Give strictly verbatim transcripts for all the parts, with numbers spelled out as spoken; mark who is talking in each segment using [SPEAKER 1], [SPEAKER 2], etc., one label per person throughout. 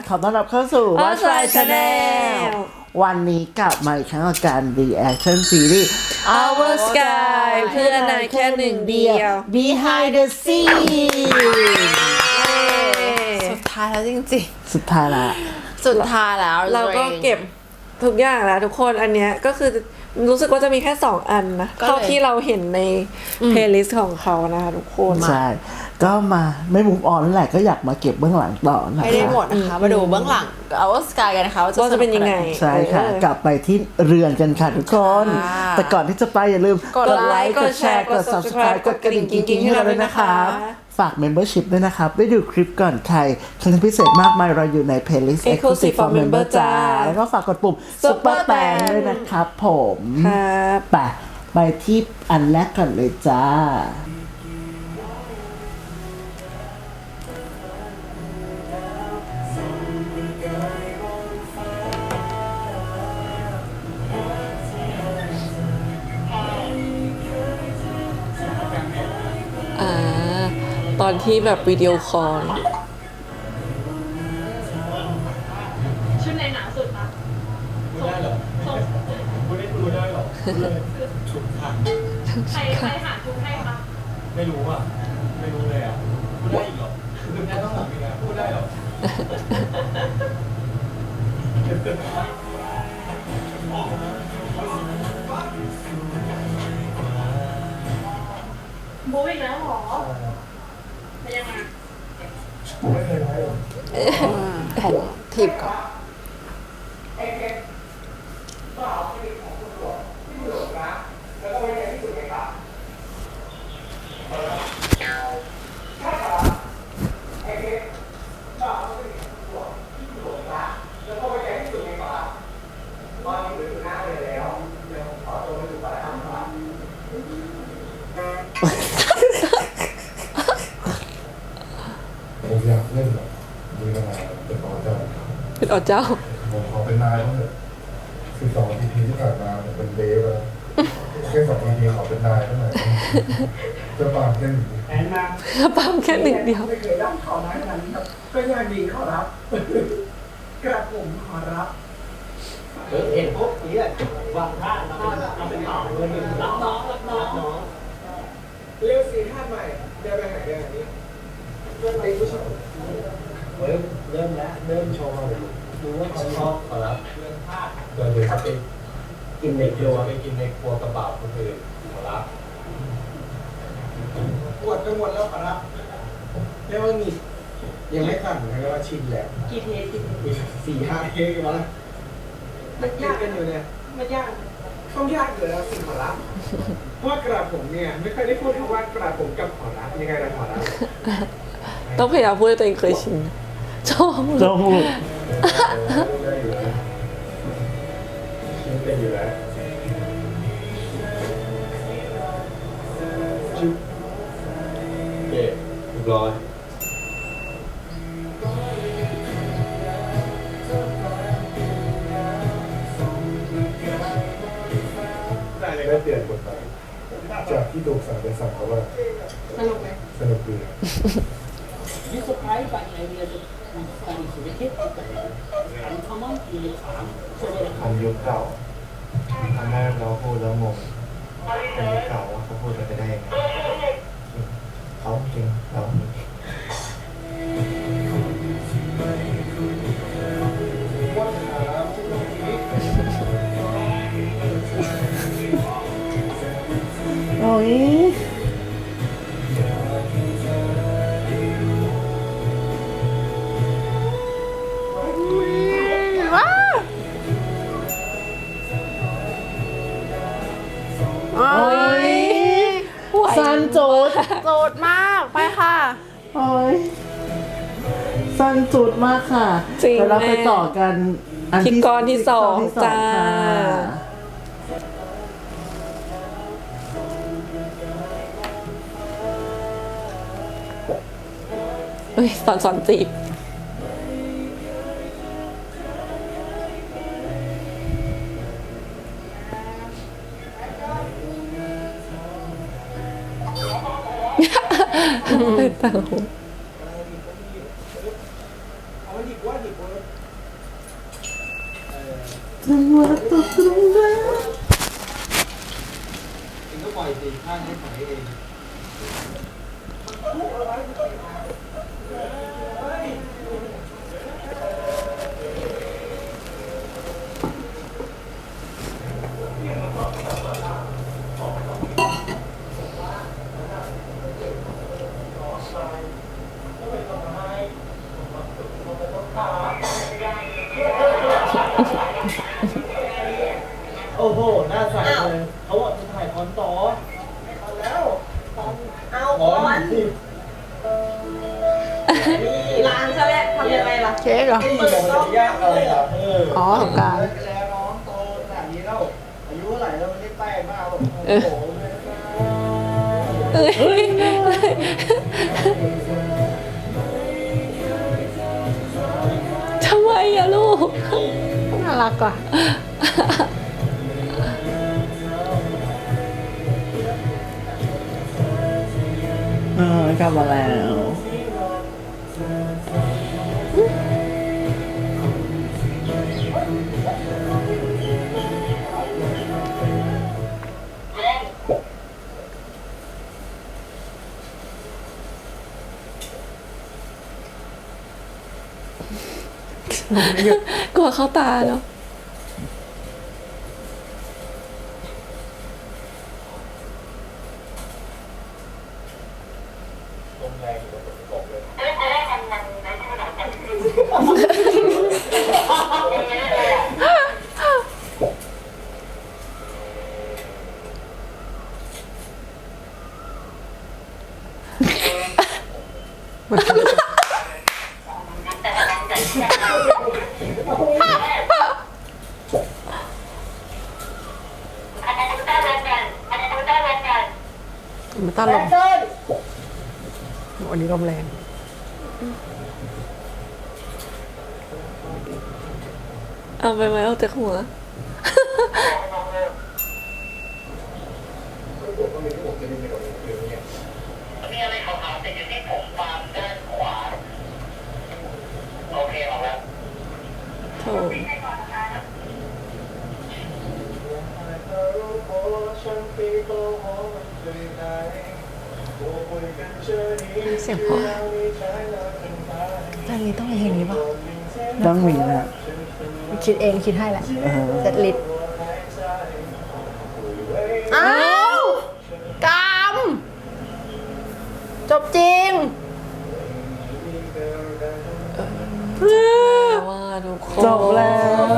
[SPEAKER 1] ขอต้อนรับเข้าสู่
[SPEAKER 2] Watch My Channel
[SPEAKER 1] วันนี้กลับมาอีกครั้งกับการ reaction series
[SPEAKER 2] Our Sky เพื่อนนายแค่หนึ่งเดียว
[SPEAKER 1] Behind the Scene
[SPEAKER 3] สุดท้ายแล้วจริง
[SPEAKER 1] สุดท้ายละ
[SPEAKER 3] ๆ สุดท้ายแล้ว
[SPEAKER 2] เราก็เก็บทุกอย่างแล้วทุกคนอันเนี้ยก็คือรู้สึกว่าจะมีแค่สองอันนะเท่าที่เราเห็นในเพลย์ลิสต์ของเขานะคะทุกคน
[SPEAKER 1] ใช่ ก็มาไม่มุมออนนั่นแหละก็อยากมาเก็บเบื้องหลังต่อนะคะ
[SPEAKER 3] ไม่ได้หมดนะคะ มาดูเบื้องหลัง Our Sky กันนะคะว่า
[SPEAKER 2] ว่าจะเป็นยังไง
[SPEAKER 1] ใช่ค่ะ
[SPEAKER 2] เออก
[SPEAKER 1] ลับไปที่เรือนกันค่ะทุกคน
[SPEAKER 3] ค่ะ
[SPEAKER 1] แต่ก่อนที่จะไปอย่าลืม
[SPEAKER 3] กดไลค์
[SPEAKER 1] กดแชร์ กด subscribe กดกระดิ่งกิ๊งๆให้เราด้วยนะครับ ฝาก membership ด้วยนะครับ ได้ดูคลิปก่อนใครคอนเทนต์พิเศษมากมายเราอยู่ใน playlist exclusive for member จ้า แล้วก็ฝากกดปุ่ม super แตงด้วยนะครับผม
[SPEAKER 2] ครับ
[SPEAKER 1] ไปไปที่อันแรกก่อนเลยจ้า
[SPEAKER 2] อ่าตอนที่แบบวิดีโอคอล
[SPEAKER 4] ชุดไหนหนาสุดคะ
[SPEAKER 5] พูดได้เหรอพูดได้พูดได้เหรอชุดค่ะ
[SPEAKER 4] ใครใครหาชุดให้คะ
[SPEAKER 5] ไม่รู้อ่ะ ไม่รู้เลยอ่ะ พูดได้อีกเหรอคือแม่ต้องถามอีกนะพูดได้เหรอ
[SPEAKER 4] โบ๊อีกแล้วเหรอเป็นยังไง
[SPEAKER 5] ผมไม่เคยไว้หรอก
[SPEAKER 3] ผมทีบก่อน
[SPEAKER 5] ผมอยากเล่นแบบมีกระนาเป็นต่อเจ้า
[SPEAKER 2] เป็นอ๋อเจ้า
[SPEAKER 5] ผมขอเป็นนายบ้างเถอะคือสองทีพีที่ผ่านมาผมเป็นเดฟแล้วแค่สองทีพีขอเป็นนายเท่าไหร่จะปากเล่น
[SPEAKER 4] แอนมา
[SPEAKER 2] ปั๊มแค่หนึ่งเดียว
[SPEAKER 4] ไม่เคยรับขอร้ายขนาดนี้ครับก็ยากดีขอรับ กระผมขอรับเห็นปุ๊บนี่แหละวางท่าเราเป็นต่อเลยรับน้องรับน้องเร็วสีท่าใหม่เดินไปไหนเดินนี้เริ่มไปผู้ชมเริ่มเริ่มแล้วเริ่มโชว์เลยดูว่าเขาชอบขอรับเรื่องท่า
[SPEAKER 5] เดินเลยครับไป
[SPEAKER 4] กินในค
[SPEAKER 5] เดี๋
[SPEAKER 4] รั
[SPEAKER 5] ยว
[SPEAKER 4] ว
[SPEAKER 5] ไปกินในครัวกระบาดคนอื่นขอรับ
[SPEAKER 4] ปวดกันหมดแล้วขอรับเรียกว่ามียังไม่สั่นนะเรียกว่าชินแล้ว
[SPEAKER 6] กี่เทสกี่เทส
[SPEAKER 4] มีสี่ห้าเทคกันมาแล้วมันยากกันอยู่เนี่ย
[SPEAKER 6] มันยาก
[SPEAKER 4] ต้องยากอยู่แล้วสิ่งขอรับเพราะว่ากระผมเนี่ยไม่เคยได้พูดคำว่ากระผมกับขอรับยังไงนะขอรับ
[SPEAKER 2] ต้องพยายามพูดให้ตัวเองเคยชินชอบ
[SPEAKER 1] จมูก
[SPEAKER 5] ได้อยู่แล้วเป็นอยู่แล้วจุ๊บเย่เรียบร้อยได้เลยได้เปลี่ยนบทบาทจากที่ถูกสั่งเป็นสั่งเขาว่า
[SPEAKER 6] สนุกไหม
[SPEAKER 5] สนุกดี
[SPEAKER 6] You surprised by the idea that we study cricket? Uncommon in the farm. So that
[SPEAKER 5] อันยุคเก่าครั้งแรกเราพูดแล้วงงอันยุคเก่าว่าเขาพูดไปได้ยังไงเขาจริงเราจริง
[SPEAKER 1] โอ้ย
[SPEAKER 3] โอ้ย
[SPEAKER 1] ซันโจด
[SPEAKER 3] โจดมากไปค่ะ
[SPEAKER 1] โอ้ยสั้นจุดมากค่ะ
[SPEAKER 2] จริง
[SPEAKER 1] แล้วเราไป
[SPEAKER 2] แม่
[SPEAKER 1] ต่อกันอัน
[SPEAKER 2] ที่ก้อนที่สอง
[SPEAKER 1] ที่สอง
[SPEAKER 2] จ้า
[SPEAKER 1] ค่ะ
[SPEAKER 2] เอ้ยสอนสอนจีบ เป็นต่างหู
[SPEAKER 4] เอาหยิบว่าหยิบว่า
[SPEAKER 1] ยังรักตัวตรงแล้ว
[SPEAKER 4] เองก็ปล่อยสิข้างให้ปล่อยเอง โอ้โห หน้าใสเลยเขาบอกจะถ่ายคอนต่อแล้วเอาคอนนี่ร้านซะแล้วทำยังไงล่ะ
[SPEAKER 3] เค้กเหรอ
[SPEAKER 4] นี่มันจะยากอะไรอ่ะเออ
[SPEAKER 3] อ๋อสงกรานต์
[SPEAKER 4] แล้วน้องโตขนาดนี้แล้วอายุเท่าไหร่แล้วมันได้แป้งมากแบบโอ้โห
[SPEAKER 2] เอ้ย ทำไมอะลูก
[SPEAKER 3] น่ารักอ่ะ
[SPEAKER 1] เออกลับมาแล้ว
[SPEAKER 2] กลัวเข้าตาเนาะ
[SPEAKER 3] มันต้านลมวันนี้ลมแรง
[SPEAKER 2] เอาไปไหมเอาจากหัว
[SPEAKER 4] มีอะไรขาวๆติดอยู่ที่ผมฟาร์มด้านขวาโอเคออกแล้ว
[SPEAKER 2] โถ
[SPEAKER 3] เสียงเพราะเพลงนี้ต้องเป็นเพลงนี้ป่ะ
[SPEAKER 1] ต้องมีนะ
[SPEAKER 3] คิดเองคิดให้แหละ
[SPEAKER 1] เออ
[SPEAKER 3] เซตลิสต์อ้าวกามจบจริง
[SPEAKER 2] ว่าทุกคน
[SPEAKER 1] จบแล้ว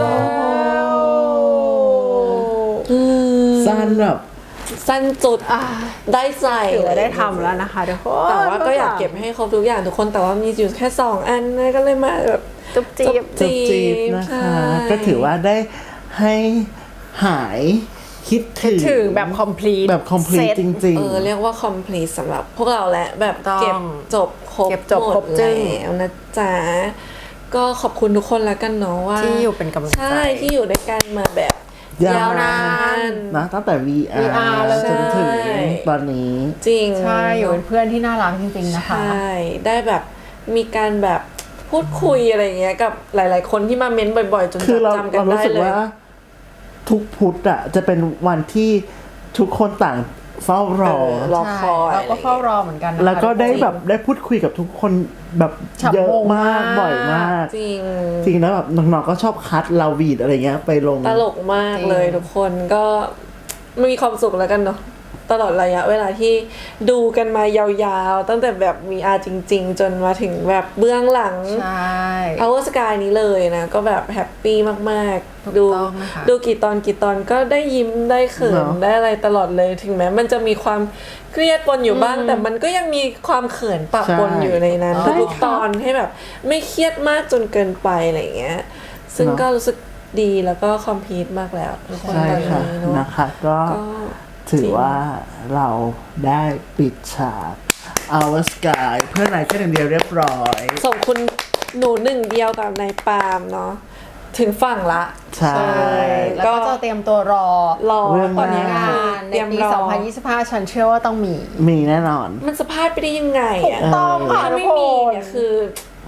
[SPEAKER 2] อืม
[SPEAKER 1] สั้นแบบ
[SPEAKER 2] สั้นจุด
[SPEAKER 3] อ่า
[SPEAKER 2] ได้ใส่
[SPEAKER 3] ถือว่าได้ทำแล้วนะคะทุกคน
[SPEAKER 2] แต่ว่าก็อยากเก็บให้ครบทุกอย่างทุกคนแต่ว่ามีอยู่แค่สองอันนะก็เลยมาแบบ
[SPEAKER 3] จุ๊บจี๊บ
[SPEAKER 1] จบจีบนะ
[SPEAKER 2] ใช่
[SPEAKER 1] คะ ก็ถือว่าได้ให้หายคิดถึง
[SPEAKER 3] ถึงแบบ complete
[SPEAKER 1] แบบ complete จริง
[SPEAKER 2] เออเรียกว่า complete สำหรับพวกเราแหละแบบ
[SPEAKER 3] ต้อง
[SPEAKER 2] เก็บจบครบ
[SPEAKER 3] เก็บจบ
[SPEAKER 2] หม
[SPEAKER 3] คร
[SPEAKER 2] ด
[SPEAKER 3] บจึ้ง
[SPEAKER 2] แล้วนะจ๊ะก็ขอบคุณทุกคนแล้วกันเนาะว่า
[SPEAKER 3] ที่อยู่เป็นกำลังใจ
[SPEAKER 2] ใช่ที่อยู่ด้วยกันมาแบบ
[SPEAKER 1] ยาวนาน
[SPEAKER 2] น
[SPEAKER 1] ๆ นะตั้งแต่ วี อาร์
[SPEAKER 3] วี อาร์ เลย
[SPEAKER 1] จนถึง
[SPEAKER 2] ใช่
[SPEAKER 1] ตอนนี้
[SPEAKER 2] จริง
[SPEAKER 3] ใช่อยู่เป็นเพื่อนที่น่ารักจริงๆนะคะ
[SPEAKER 2] ใช่ได้แบบมีการแบบพูดคุยอะไรอย่างเงี้ยกับหลาย ๆ คนที่มาเม้นบ่อย ๆ จน
[SPEAKER 1] คือเรา
[SPEAKER 2] จำกั
[SPEAKER 1] เรา
[SPEAKER 2] น
[SPEAKER 1] รู้
[SPEAKER 2] ได้
[SPEAKER 1] สึก
[SPEAKER 2] เลย
[SPEAKER 1] ว่า ทุกพุธอะจะเป็นวันที่ทุกคนต่างเฝ้ารอ
[SPEAKER 2] เออรอคอย
[SPEAKER 3] เราก็เฝ้ารอเหมือนกันนะคะ
[SPEAKER 1] แล้วก็ได้แบบได้พูดคุยกับทุกคนแบบ
[SPEAKER 3] ฉับ
[SPEAKER 1] เยอะ
[SPEAKER 3] โมง
[SPEAKER 1] มาก
[SPEAKER 3] มาก
[SPEAKER 1] บ่อยมาก
[SPEAKER 2] จริง
[SPEAKER 1] จริงแล้วแบบน้องๆก็ชอบคัดลาวีดอะไรเงี้ยไปลง
[SPEAKER 2] ตลกมากเลยทุกคนก็มีความสุขแล้วกันเนาะตลอดระยะเวลาที่ดูกันมายาวๆ ตั้งแต่แบบมีอาจริง ๆ จนมาถึงแบบเบื้องหลัง
[SPEAKER 3] ใช่
[SPEAKER 2] Power Sky นี้เลยนะ ก็แบบแฮปปี้มาก
[SPEAKER 3] ถูก
[SPEAKER 2] ๆ ดู
[SPEAKER 3] ต้องนะคะ
[SPEAKER 2] ดูกี่ตอนกี่ตอนก็ได้ยิ้มได้เขิน
[SPEAKER 1] เนอะ
[SPEAKER 2] ได้อะไรตลอดเลยถึงแม้มันจะมีความเครียดปนอยู่บ้าง แต่มันก็ยังมีความเขินปะปนอยู่ในนั้น
[SPEAKER 1] ใช่
[SPEAKER 2] ทุกๆตอนให้แบบไม่เครียดมากจนเกินไปอะไรอย่างเงี้ย ซึ่ง
[SPEAKER 1] เนอะ
[SPEAKER 2] ก็รู้สึกดีแล้วก็คอมพลีทมากแล้วทุกคน
[SPEAKER 1] ใช่
[SPEAKER 2] ตอน
[SPEAKER 1] ค่ะ
[SPEAKER 2] นี้เนาะ
[SPEAKER 1] นะคะก็
[SPEAKER 2] ก็
[SPEAKER 1] ถือว่าเราได้ปิดฉาก Our Sky เพื่อนนายแค่หนึ่งเดียวเรียบร้อย
[SPEAKER 2] ส่งคุณหนูหนึ่งเดียวกับนายปาล์มเนาะถึงฝั่งละ
[SPEAKER 1] ใช่
[SPEAKER 3] แล้วก็จะเตรียมตัวรอ
[SPEAKER 2] รอ
[SPEAKER 1] เรื่อง
[SPEAKER 2] ตอนนี้
[SPEAKER 1] หน้า
[SPEAKER 2] คื
[SPEAKER 3] งา
[SPEAKER 2] อน
[SPEAKER 3] ใน
[SPEAKER 2] เตรียม
[SPEAKER 3] ปี
[SPEAKER 2] รอ
[SPEAKER 3] สองพันยี่สิบห้าฉันเชื่อว่าต้องมี
[SPEAKER 1] มีแน่นอน
[SPEAKER 2] มันสะพลาดไปได้ยังไง
[SPEAKER 3] ถูก
[SPEAKER 2] อะ
[SPEAKER 3] ต้องค่ะ
[SPEAKER 2] ถ้า
[SPEAKER 3] ทุ
[SPEAKER 2] ไม่
[SPEAKER 3] กค
[SPEAKER 2] มี
[SPEAKER 3] น
[SPEAKER 2] เนี่ยคือ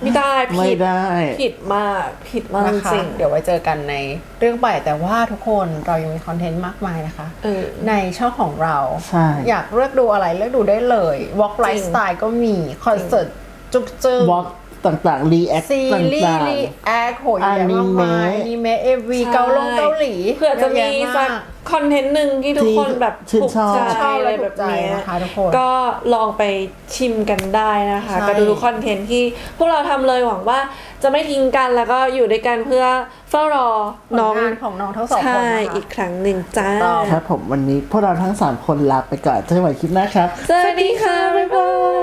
[SPEAKER 2] ไม่ได้
[SPEAKER 1] ไม่
[SPEAKER 2] ผิด
[SPEAKER 1] ได้
[SPEAKER 2] ผิดมากผิดมาก
[SPEAKER 3] นะคะ
[SPEAKER 2] จริง
[SPEAKER 3] เดี๋ยวไว้เจอกันในเรื่องใหม่แต่ว่าทุกคนเรายังมีคอนเทนต์มากมายนะคะ
[SPEAKER 2] เออ
[SPEAKER 3] ในช่องของเรา
[SPEAKER 1] ใช่
[SPEAKER 3] อยากเลือกดูอะไรเลือกดูได้เลย Walk Lifestyle ก็มี คอนเสิร์ตจุกจึง
[SPEAKER 1] วอล์กต่างๆ รีแอค
[SPEAKER 3] ซี
[SPEAKER 1] ต่
[SPEAKER 3] รีส์
[SPEAKER 1] าง
[SPEAKER 3] รีแอคโหยเยอะมากมาย
[SPEAKER 1] อนิเมะ
[SPEAKER 3] อนิเมะเอวีเกาลงเกาหลี
[SPEAKER 2] เผื่อจะมี
[SPEAKER 3] เยอ
[SPEAKER 2] สัก
[SPEAKER 3] แยะาก
[SPEAKER 2] คอนเทนต์หนึ่งที่ทุกคนแบบ
[SPEAKER 1] ที่ชื่น
[SPEAKER 2] ถูก
[SPEAKER 1] ชอบ
[SPEAKER 2] ใจ
[SPEAKER 3] ชอบ
[SPEAKER 2] อะไร
[SPEAKER 3] และ
[SPEAKER 2] แบ
[SPEAKER 3] ถู
[SPEAKER 2] บ
[SPEAKER 3] กใจ
[SPEAKER 2] เนี้ย
[SPEAKER 3] นะคะทุกคน
[SPEAKER 2] ก็ลองไปชิมกันได้นะคะ
[SPEAKER 3] ใช่
[SPEAKER 2] ก็ดูทุกคอนเทนต์ที่พวกเราทำเลยหวังว่าจะไม่ทิ้งกันแล้วก็อยู่ด้วยกันเพื่อเฝ้ารอ
[SPEAKER 3] ผล
[SPEAKER 2] น้อง
[SPEAKER 3] งานของน้องทั้งสองคน
[SPEAKER 2] ใช่
[SPEAKER 3] นะคะ
[SPEAKER 2] อีกครั้งหนึ่งจ้า
[SPEAKER 3] ต้อง
[SPEAKER 1] ครับผมวันนี้พวกเราทั้งสามคนลาไปก่อนเจอกันใหม่คลิปหน้าครับ
[SPEAKER 2] สวัสดีค่ะ บ๊ายบาย